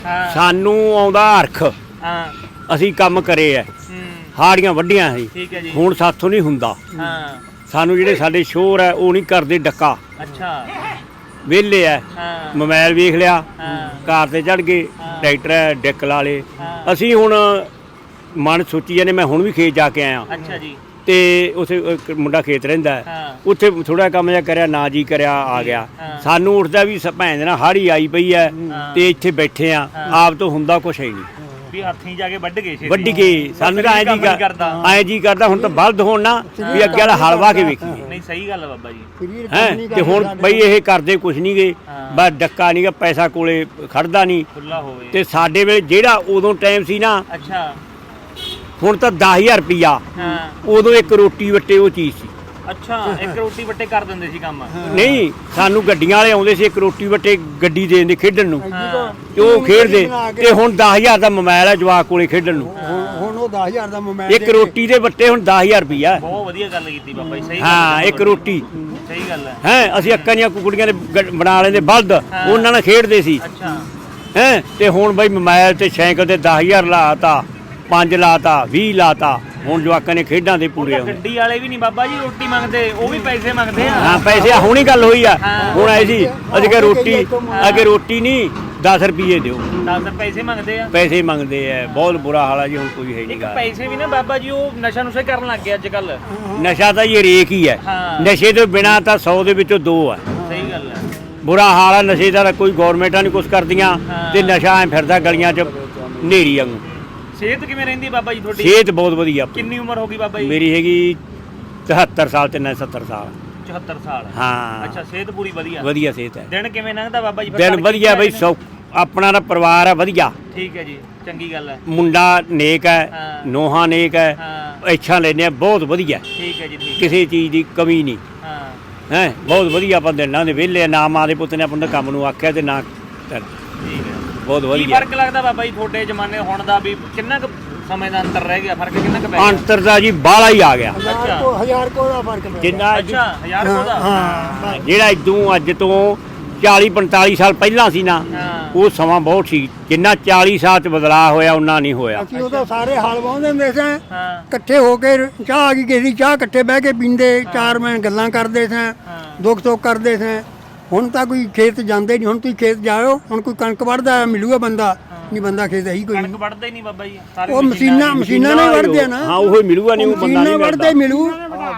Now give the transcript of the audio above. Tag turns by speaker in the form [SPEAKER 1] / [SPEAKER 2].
[SPEAKER 1] ਸਾਨੂੰ ਆਉਂਦਾ ਅਰਖ ਅਸੀਂ ਕੰਮ ਕਰੇ ਐ ਹਾੜੀਆਂ ਵੱਡੀਆਂ ਸੀ
[SPEAKER 2] ਠੀਕ ਹੈ ਜੀ
[SPEAKER 1] ਹੁਣ ਸਾਥੋਂ ਨਹੀਂ ਹੁੰਦਾ ਸਾਨੂੰ ਜਿਹੜੇ ਸਾਡੇ ਸ਼ੋਰ ਐ ਉਹ ਨਹੀਂ ਕਰਦੇ ਡੱਕਾ
[SPEAKER 2] ਅੱਛਾ
[SPEAKER 1] ਵਿਹਲੇ ਐ ਮੋਬਾਈਲ ਵੇਖ ਲਿਆ ਕਾਰ ਤੇ ਚੜ ਗਏ ਟਰੈਕਟਰ ਐ ਡਿੱਕ ਲਾ ਲੇ ਅਸੀਂ ਹੁਣ ਮਨ ਸੋਚੀ ਜਾਂਦੇ ਮੈਂ ਹੁਣ ਵੀ ਖੇਤ ਜਾ ਕੇ ਆਇਆ
[SPEAKER 2] ਅੱਛਾ ਜੀ ਤੇ
[SPEAKER 1] ਉੱਥੇ ਇੱਕ ਮੁੰਡਾ ਖੇਤ ਰਹਿੰਦਾ ਉੱਥੇ ਥੋੜਾ ਕੰਮ ਜਿਹਾ ਕਰਿਆ ਨਾ ਜੀ ਕਰਿਆ ਆ ਗਿਆ ਸਾਨੂੰ ਉੱਠਦਾ ਵੀ ਭੈਣ ਦੇ ਨਾਲ ਹਾੜੀ ਆਈ ਪਈ ਐ ਤੇ ਇੱਥੇ ਬੈਠੇ ਆ ਆਪ ਤੋਂ ਹੁੰਦਾ ਕੁਛ ਹੈ ਨਹੀਂ
[SPEAKER 2] ਵੀ ਹੱਥੀਂ ਜਾ ਕੇ ਵੱਢ
[SPEAKER 1] ਗਏ ਸਾਨੂੰ ਤਾਂ ਐਂ ਜੀ ਕਰਦਾ ਹੁਣ ਤਾਂ ਬਲਦ ਹੋਣ ਨਾ ਵੀ ਅੱਗੇ ਵਾਲਾ ਹਲ ਵਾਹ ਕੇ ਵੇਖੀਏ
[SPEAKER 2] ਨਹੀਂ ਸਹੀ ਗੱਲ ਹੈ ਬਾਬਾ ਜੀ
[SPEAKER 1] ਹੈ ਤੇ ਹੁਣ ਬਈ ਇਹ ਕਰਦੇ ਕੁਛ ਨਹੀਂ ਗਏ ਬਸ ਡੱਕਾ ਨਹੀਂ ਗਾ ਪੈਸਾ ਕੋਲੇ ਖੜਦਾ ਨਹੀਂ
[SPEAKER 2] ਖੁੱਲਾ ਹੋਵੇ
[SPEAKER 1] ਤੇ ਸਾਡੇ ਵੇਲੇ ਜਿਹੜਾ ਉਦੋਂ ਟਾਈਮ ਸੀ ਨਾ
[SPEAKER 2] ਅੱਛਾ
[SPEAKER 1] ਹੁਣ ਤਾਂ 10,000 ਰੁਪਿਆ ਉਦੋਂ ਇੱਕ ਰੋਟੀ ਵੱਟੇ ਉਹ ਚੀਜ਼ ਸੀ
[SPEAKER 2] ਅੱਛਾ ਇੱਕ ਰੋਟੀ ਵੱਟੇ ਕਰ ਦਿੰਦੇ ਸੀ ਕੰਮ
[SPEAKER 1] ਨਹੀਂ ਸਾਨੂੰ ਗੱਡੀਆਂ ਵਾਲੇ ਆਉਂਦੇ ਸੀ ਇੱਕ ਰੋਟੀ ਵੱਟੇ ਗੱਡੀ ਦੇ ਦਿੰਦੇ ਖੇਡਣ ਨੂੰ ਤੇ ਉਹ ਖੇਡਦੇ ਤੇ ਹੁਣ 10,000 ਦਾ ਮੋਬਾਈਲ ਹੈ ਜਵਾਕ ਕੋਲੇ ਖੇਡਣ ਨੂੰ
[SPEAKER 3] ਹੁਣ ਉਹ 10,000 ਦਾ ਮੋਬਾਈਲ
[SPEAKER 1] ਇੱਕ ਰੋਟੀ ਦੇ ਵੱਟੇ ਹੁਣ 10,000 ਰੁਪਿਆ
[SPEAKER 2] ਬਹੁਤ ਵਧੀਆ ਗੱਲ ਕੀਤੀ ਬਾਬਾ ਜੀ ਸਹੀ
[SPEAKER 1] ਹਾਂ ਇੱਕ ਰੋਟੀ
[SPEAKER 2] ਸਹੀ ਗੱਲ ਹੈ
[SPEAKER 1] ਹੈ ਅਸੀਂ ਅੱਕਾਂ ਦੀਆਂ ਕੁਕੜੀਆਂ ਦੇ ਬਣਾ ਲੈਂਦੇ ਬਲਦ ਉਹਨਾਂ ਨਾਲ ਖੇਡਦੇ ਸੀ
[SPEAKER 2] ਅੱਛਾ
[SPEAKER 1] ਹੈ ਤੇ ਹੁਣ ਬਈ ਮੋਬਾਈਲ ਤੇ ਸਾਈਕਲ ਤੇ 10,000 ਲਾਤਾ 5 ਲਾਤਾ 20 ਲਾਤਾ ਹੁਣ ਜਵਾਕਾਂ ਨੇ ਖੇਡਾਂ ਦੇ ਪੂਰੇ ਹੁੰਦੇ
[SPEAKER 2] ਗੱਡੀ ਵਾਲੇ ਵੀ ਨਹੀਂ ਬਾਬਾ ਜੀ ਰੋਟੀ ਮੰਗਦੇ ਉਹ ਵੀ ਪੈਸੇ ਮੰਗਦੇ ਆ
[SPEAKER 1] ਹਾਂ ਪੈਸੇ ਹੁਣੀ ਗੱਲ ਹੋਈ ਆ ਹੁਣ ਆਏ ਸੀ ਅਸੀਂ ਕਿ ਰੋਟੀ ਅੱਗੇ ਰੋਟੀ ਨਹੀਂ 10 ਰੁਪਏ ਦਿਓ
[SPEAKER 2] 10 ਪੈਸੇ ਮੰਗਦੇ ਆ
[SPEAKER 1] ਪੈਸੇ ਮੰਗਦੇ ਆ ਬਹੁਤ ਬੁਰਾ ਹਾਲ ਆ ਜੀ ਹੁਣ ਕੋਈ ਹੈ ਨਹੀਂ ਗਾ
[SPEAKER 2] ਪੈਸੇ ਵੀ ਨਾ ਬਾਬਾ ਜੀ ਉਹ ਨਸ਼ਾ ਨੁਸ਼ਾ ਕਰਨ ਲੱਗ ਗਿਆ ਅੱਜ ਕੱਲ
[SPEAKER 1] ਨਸ਼ਾ ਤਾਂ ਇਹ ਰੇਕ ਹੀ ਹੈ ਨਸ਼ੇ ਤੋਂ ਬਿਨਾ ਤਾਂ 100 ਦੇ ਵਿੱਚੋਂ 2 ਆ
[SPEAKER 2] ਸਹੀ ਗੱਲ ਹੈ
[SPEAKER 1] ਬੁਰਾ ਹਾਲ ਆ ਨਸ਼ੇ ਦਾ ਕੋਈ ਗਵਰਨਮੈਂਟਾਂ ਨਹੀਂ ਕੁਛ ਕਰਦੀਆਂ ਤੇ ਨਸ਼ਾ ਐ ਫਿਰਦਾ ਗਲੀਆਂ 'ਚ ਨੇਰੀ ਵਾਂਗੂ
[SPEAKER 2] ਸਿਹਤ ਕਿਵੇਂ ਰਹਿੰਦੀ ਬਾਬਾ ਜੀ ਤੁਹਾਡੀ
[SPEAKER 1] ਸਿਹਤ ਬਹੁਤ ਵਧੀਆ
[SPEAKER 2] ਕਿੰਨੀ ਉਮਰ ਹੋ ਗਈ ਬਾਬਾ ਜੀ
[SPEAKER 1] ਮੇਰੀ ਹੈਗੀ 73 ਸਾਲ ਤੇ ਨਾ 70 ਸਾਲ
[SPEAKER 2] 74 ਸਾਲ
[SPEAKER 1] ਹਾਂ
[SPEAKER 2] ਅੱਛਾ ਸਿਹਤ ਪੂਰੀ
[SPEAKER 1] ਵਧੀਆ ਸਿਹਤ ਹੈ
[SPEAKER 2] ਦਿਨ ਕਿਵੇਂ ਲੰਘਦਾ ਬਾਬਾ ਜੀ
[SPEAKER 1] ਦਿਨ ਵਧੀਆ ਬਈ ਆਪਣਾ ਦਾ ਪਰਿਵਾਰ ਹੈ ਵਧੀਆ
[SPEAKER 2] ਠੀਕ ਹੈ ਜੀ ਚੰਗੀ ਗੱਲ ਹੈ
[SPEAKER 1] ਮੁੰਡਾ ਨੇਕ ਹੈ ਨੋਹਾ ਨੇਕ ਹੈ ਇੱਛਾ ਲੈਨੇ ਬਹੁਤ ਵਧੀਆ
[SPEAKER 2] ਠੀਕ ਹੈ ਜੀ ਠੀਕ
[SPEAKER 1] ਕਿਸੇ ਚੀਜ਼ ਦੀ ਕਮੀ ਨਹੀਂ
[SPEAKER 2] ਹਾਂ
[SPEAKER 1] ਹੈ ਬਹੁਤ ਵਧੀਆ ਆਪਾਂ ਦਿਨਾਂ ਦੇ ਵਿਹਲੇ ਨਾ ਮਾਂ ਦੇ ਪੁੱਤ ਨੇ ਆਪਾਂ ਨੂੰ ਕੰਮ ਨੂੰ ਆਖਿਆ ਤੇ ਨਾ
[SPEAKER 2] ਠੀਕ ਹੈ
[SPEAKER 1] ਬਹੁਤ
[SPEAKER 2] ਕੀ
[SPEAKER 1] ਵਧੀਆ
[SPEAKER 2] ਫਰਕ ਲੱਗਦਾ ਬਾਬਾ ਜੀ ਤੁਹਾਡੇ ਜ਼ਮਾਨੇ ਹੁਣ ਦਾ ਵੀ ਕਿੰਨਾ ਕੁ ਸਮੇਂ ਦਾ ਅੰਤਰ ਰਹਿ ਗਿਆ ਫਰਕ ਕਿੰਨਾ ਕੁ ਪੈ ਗਿਆ
[SPEAKER 1] ਅੰਤਰ ਦਾ ਜੀ ਬਾਹਲਾ ਹੀ ਆ ਗਿਆ
[SPEAKER 3] 1000 ਕੋ ਦਾ ਫਰਕ ਪਿਆ
[SPEAKER 1] ਜਿੰਨਾ
[SPEAKER 2] ਅੱਛਾ 1000 ਕੋ ਦਾ
[SPEAKER 3] ਹਾਂ
[SPEAKER 1] ਜਿਹੜਾ ਇਦੋਂ ਅੱਜ ਤੋਂ 40-45 ਸਾਲ ਪਹਿਲਾਂ ਸੀ ਨਾ ਉਹ ਸਮਾਂ ਬਹੁਤ ਸੀ ਜਿੰਨਾ 40 ਸਾਲ ਚ ਬਦਲਾਅ ਹੋਇਆ ਉਹਨਾਂ ਨਹੀਂ ਹੋਇਆ
[SPEAKER 3] ਅਸੀਂ ਉਦੋਂ ਸਾਰੇ ਹਲ ਵਾਹੁੰਦੇ ਹੁੰਦੇ ਸਾਂ ਇਕੱਠੇ ਹੋ ਕੇ ਚਾਹ ਆ ਗਈ ਕਿਸੇ ਦੀ ਚਾਹ ਇਕੱਠੇ ਬਹਿ ਕੇ ਪੀਂਦੇ ਚਾਰ ਮੈਂ ਗੱਲਾਂ ਕਰਦੇ ਸਾਂ ਦੁੱਖ ਸੁੱਖ ਕਰਦੇ ਸਾਂ ਹੁਣ ਤਾਂ ਕੋਈ ਖੇਤ ਜਾਂਦੇ ਨਹੀਂ ਹੁਣ ਤੁਸੀਂ ਖੇਤ ਜਾਓ ਹੁਣ ਕੋਈ ਕਣਕ ਵੱਢਦਾ ਮਿਲੂਗਾ ਬੰਦਾ ਨਹੀਂ ਬੰਦਾ ਖੇਤ ਹੈ ਹੀ ਕੋਈ
[SPEAKER 2] ਕਣਕ ਵੱਢਦੇ ਹੀ ਨਹੀਂ ਬਾਬਾ ਜੀ
[SPEAKER 3] ਉਹ ਮਸ਼ੀਨਾਂ ਨਾਲ ਵੱਢਦੇ ਆ ਨਾ
[SPEAKER 1] ਹਾਂ ਉਹ ਮਿਲੂਗਾ ਨਹੀਂ ਉਹ ਬੰਦਾ ਨਹੀਂ
[SPEAKER 3] ਵੱਢਦੇ ਮਿਲੂ